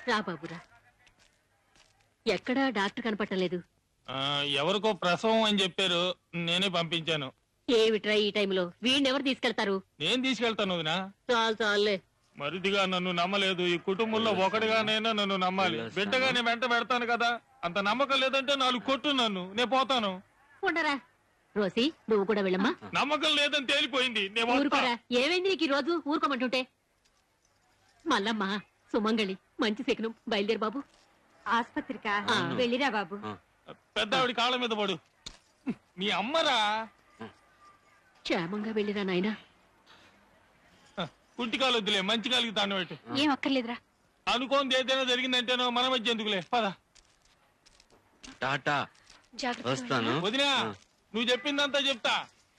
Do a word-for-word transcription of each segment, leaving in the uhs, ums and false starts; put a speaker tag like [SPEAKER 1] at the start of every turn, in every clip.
[SPEAKER 1] రా బాబురా. ఎక్కడా డాక్టర్ కనపట్టలేదు.
[SPEAKER 2] ఎవరికో ప్రసవం అని చెప్పారు, నేనే పంపించాను.
[SPEAKER 1] ఏమిట్రా ఈ టైంలో వీడినెవరు తీసుకెళ్తారు?
[SPEAKER 2] నేను తీసుకెళ్తాను వదినా.
[SPEAKER 1] చాలు చాలులే.
[SPEAKER 2] మరిదిగా నన్ను నమ్మలేదు, ఈ కుటుంబంలో ఒకటిగానైనా నన్ను నమ్మాలి. బిడ్డగా నేను వెంట పెడతాను కదా, అంత నమ్మకం లేదంటే నాలుగు కొట్టు, నన్ను నేను పోతాను.
[SPEAKER 1] ఉండరా రోసి, నువ్వు కూడా వెళ్ళమ్మా.
[SPEAKER 2] నమ్మకం లేదని తేలిపోయింది.
[SPEAKER 1] ఊరుకోరా, ఏమైంది నీకు ఈ రోజు? ఊరుకోమంటుంటే. మల్లమ్మ, సుమంగళి, మంచి శకునం. బయలుదేరు బాబు.
[SPEAKER 3] ఆస్పత్రికా? వెళ్ళిరా బాబు.
[SPEAKER 2] పెద్ద ఆవిడ కాళ్ళ మీద పడు. మీ అమ్మరా?
[SPEAKER 1] క్షేమంగా వెళ్ళిరా నాయనా.
[SPEAKER 2] కుంటి కాలు వద్దులే, మంచి కాలికి దాన్ని పెట్టు.
[SPEAKER 3] ఏం అక్కర్లేదురా.
[SPEAKER 2] అనుకోంది ఏదైనా జరిగిందంటేనో మన మధ్య ఎందుకులే, పద.
[SPEAKER 4] టాటా, వస్తాను.
[SPEAKER 2] వదినా, నువ్వు చెప్పిందంతా చెప్తా.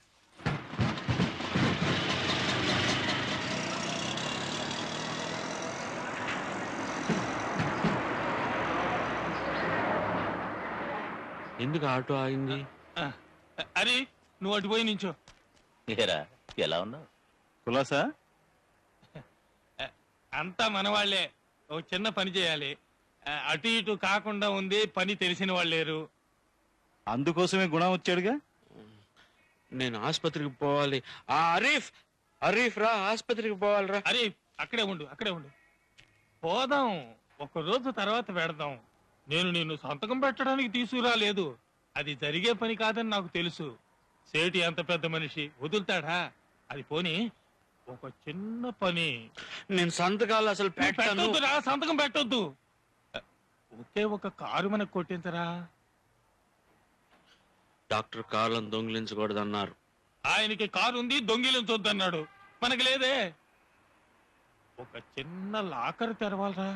[SPEAKER 4] ఎందుకు ఆటో ఆగింది?
[SPEAKER 2] అరే, నువ్వు అటు పోయి నించో.
[SPEAKER 5] ఎలా ఉన్నావు
[SPEAKER 2] కులాసా? అంతా మనవాళ్లే. ఒక చిన్న పని చేయాలి, అటు ఇటు కాకుండా ఉంది. పని తెలిసిన వాళ్ళు లేరు,
[SPEAKER 5] అందుకోసమే గుణం వచ్చాడుగా.
[SPEAKER 4] నేను ఆస్పత్రికి పోవాలి. ఆ అరీఫ్, అరీఫ్ రా, ఆస్పత్రికి పోవాలిరా.
[SPEAKER 2] అరీఫ్, అక్కడే ఉండు, అక్కడే ఉండు. పోదాం, ఒక రోజు తర్వాత పెడదాం. నేను నిన్ను సంతకం పెట్టడానికి తీసుకురాలేదు, అది జరిగే పని కాదని నాకు తెలుసు. సేటి అంత పెద్ద మనిషి వదులుతాడా? అది పోని, ఒక చిన్న పని.
[SPEAKER 4] నేను సంతకాలు అసలు
[SPEAKER 2] పెట్టొద్దురా, సంతకం పెట్టొద్దు. ఒకే ఒక కారు మనకు కొట్టించరా.
[SPEAKER 4] డాక్టర్ కార్లను దొంగిలించకూడదన్నారు.
[SPEAKER 2] ఆయనకి కారు ఉంది, దొంగిలించొద్దన్నాడు. మనకి లేదే. ఒక చిన్న లాకర్ తెరవాలరా.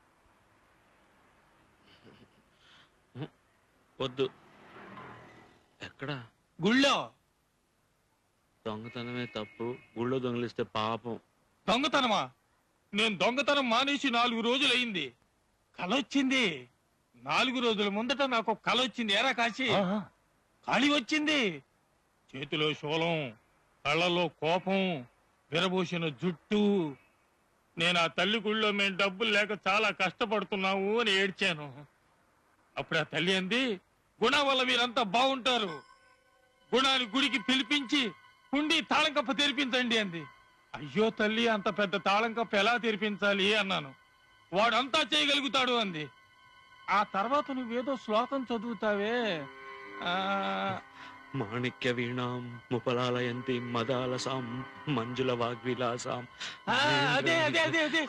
[SPEAKER 4] వద్దు. ఎక్కడా?
[SPEAKER 2] గుళ్ళో.
[SPEAKER 4] దొంగతనమే తప్పు, గుళ్ళో దొంగిలిస్తే పాపం.
[SPEAKER 2] దొంగతనమా? నేను దొంగతనం మానేసి నాలుగు రోజులయ్యింది. కలొచ్చింది. నాలుగు రోజుల ముందట నాకు కల వచ్చింది. ఏరా కాశీ, ఖాళీ వచ్చింది. చేతిలో శూలం, కళ్ళలో కోపం, విరబూసిన జుట్టు. నేను ఆ తల్లి గుళ్ళో మేము డబ్బులు లేక చాలా కష్టపడుతున్నాము అని ఏడ్చాను. అప్పుడు ఆ తల్లి అంది, గుణ వల్ల మీరంతా బాగుంటారు, గుణాన్ని గుడికి పిలిపించి కుండి తాళం కప్ప తెరిపించండి అంది. అయ్యో తల్లి, అంత పెద్ద తాళం కప్ప ఎలా తెరిపించాలి అన్నాను. వాడంతా చేయగలుగుతాడు అంది. ఆ తర్వాత నువ్వేదో శ్లోకం చదువుతావే, ఆ
[SPEAKER 4] మాణిక్య వీణాం ముపలాలయంతి మదాలసాం మంజుల వాగ్విలాసాం.
[SPEAKER 2] అదే అదే అదే అదే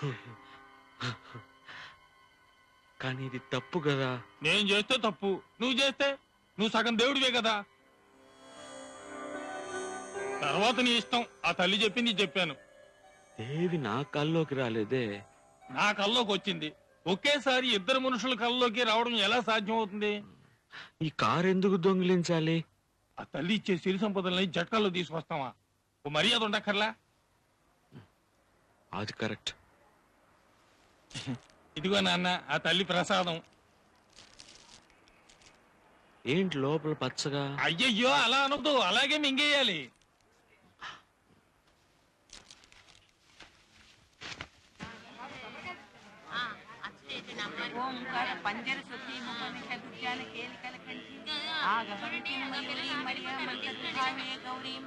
[SPEAKER 4] కానీ ఇది తప్పు కదా.
[SPEAKER 2] నేను చేస్తే తప్పు, నువ్వు చేస్తే నువ్వు సగం దేవుడివే కదా. తర్వాత నీ ఇష్టం. ఆ తల్లి చెప్పింది చెప్పాను.
[SPEAKER 4] దేవి నా కల్లోకి రాలేదే.
[SPEAKER 2] నా కల్లోకి వచ్చింది. ఒకేసారి ఇద్దరు మనుషుల కల్లోకి రావడం ఎలా సాధ్యం అవుతుంది?
[SPEAKER 4] ఈ కారు ఎందుకు దొంగిలించాలి?
[SPEAKER 2] ఆ తల్లి ఇచ్చే సిరి సంపదల్ని జట్కాల్లో తీసుకొస్తావా? ఓ మర్యాద ఉండక్కర్లా?
[SPEAKER 4] అది కరెక్ట్.
[SPEAKER 2] ఇదిగో నాన్న, ఆ తల్లి ప్రసాదం.
[SPEAKER 4] ఏంటి లోపల పచ్చగా?
[SPEAKER 2] అయ్యయ్యో, అలా అనొద్దు, అలాగే మింగేయాలి.
[SPEAKER 3] ఓంకార పంజర సుఖీ ముఖమిష దుర్జాన కేలికల కంఠి ఆగమంతి మయూరీ మరియా మంత్రధామే గౌరీం.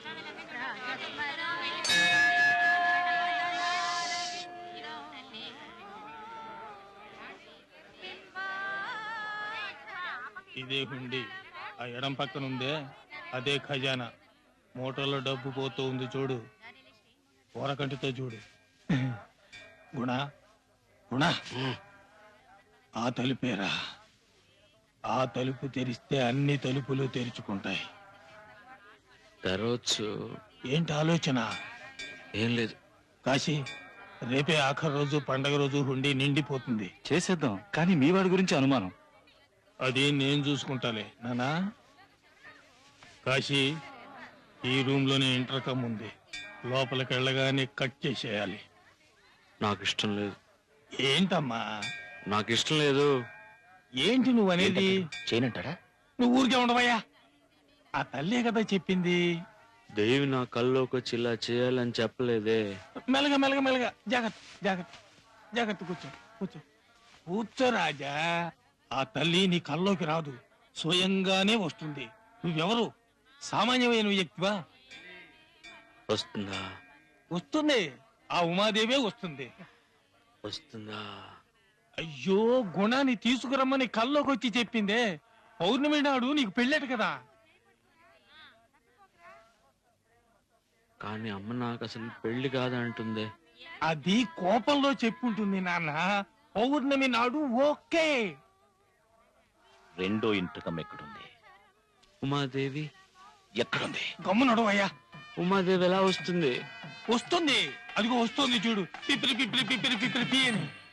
[SPEAKER 2] ఇదే హుండి. ఆ ఎడం పక్కన ఉందే అదే ఖజానా. మోటార్లో డబ్బు పోతూ ఉంది చూడు, కూరకంటితో చూడు. గుణ గుణ, ఆ తలుపేరా. ఆ తలుపు తెరిస్తే అన్ని తలుపులు తెరుచుకుంటాయి.
[SPEAKER 4] తెరవచ్చు.
[SPEAKER 2] ఏంటి ఆలోచన?
[SPEAKER 4] ఏం లేదు
[SPEAKER 2] కాశీ, రేపే ఆఖరి రోజు, పండగ రోజు హుండి నిండిపోతుంది.
[SPEAKER 5] చేసేద్దాం, కానీ మీ వాడి గురించి అనుమానం.
[SPEAKER 2] అది నేను చూసుకుంటాలే నానా. కాశీ, ఈ రూమ్ లోనే ఇంటర్కమ్ ఉంది, లోపలికి వెళ్ళగానే కట్ చేసేయాలి.
[SPEAKER 4] నాకు ఇష్టం లేదు.
[SPEAKER 2] ఏంటమ్మా?
[SPEAKER 4] నాకు ఇష్టం లేదు.
[SPEAKER 2] ఏంటి నువ్వు అనేది?
[SPEAKER 5] చేయనంటాడా?
[SPEAKER 2] నువ్వు ఊరికే ఉండవయ్యా. ఆ తల్లే కదా చెప్పింది.
[SPEAKER 4] దేవి నా కల్లోకి వచ్చి ఇలా చేయాలని చెప్పలేదే.
[SPEAKER 2] మెల్లగా మెల్లగా మెల్లగా, జాగ్రత్త జాగ్రత్త జాగ్రత్త. కూర్చో కూర్చో. కూర్చో రాజా. ఆ తల్లి నీ కల్లోకి రాదు, స్వయంగానే వస్తుంది. నువ్వెవరు? సామాన్యమైన వ్యక్తివా?
[SPEAKER 4] వస్తుందా
[SPEAKER 2] వస్తుంది, ఆ ఉమాదేవే వస్తుంది.
[SPEAKER 4] వస్తుందా?
[SPEAKER 2] అయ్యో, గుణాన్ని తీసుకురమ్మని కల్లోకి వచ్చి చెప్పిందే. పౌర్ణమి నాడు నీకు పెళ్ళేట కదా.
[SPEAKER 4] కానీ అమ్మ నాకు అసలు పెళ్లి కాదంటుంది.
[SPEAKER 2] అది కోపంలో చెప్పుంటుంది నాన్న. పౌర్ణమి నాడు ఓకే.
[SPEAKER 5] రెండో ఇంటకం ఎక్కడుంది?
[SPEAKER 4] ఉమాదేవి
[SPEAKER 5] ఎక్కడుంది?
[SPEAKER 2] గమ్మునడు అయ్యా.
[SPEAKER 4] ఉమాదేవి ఎలా వస్తుంది?
[SPEAKER 2] వస్తుంది, అదిగో వస్తుంది చూడు. పిపిరి పిపిరి పిపిరి పిపిరి పి అని.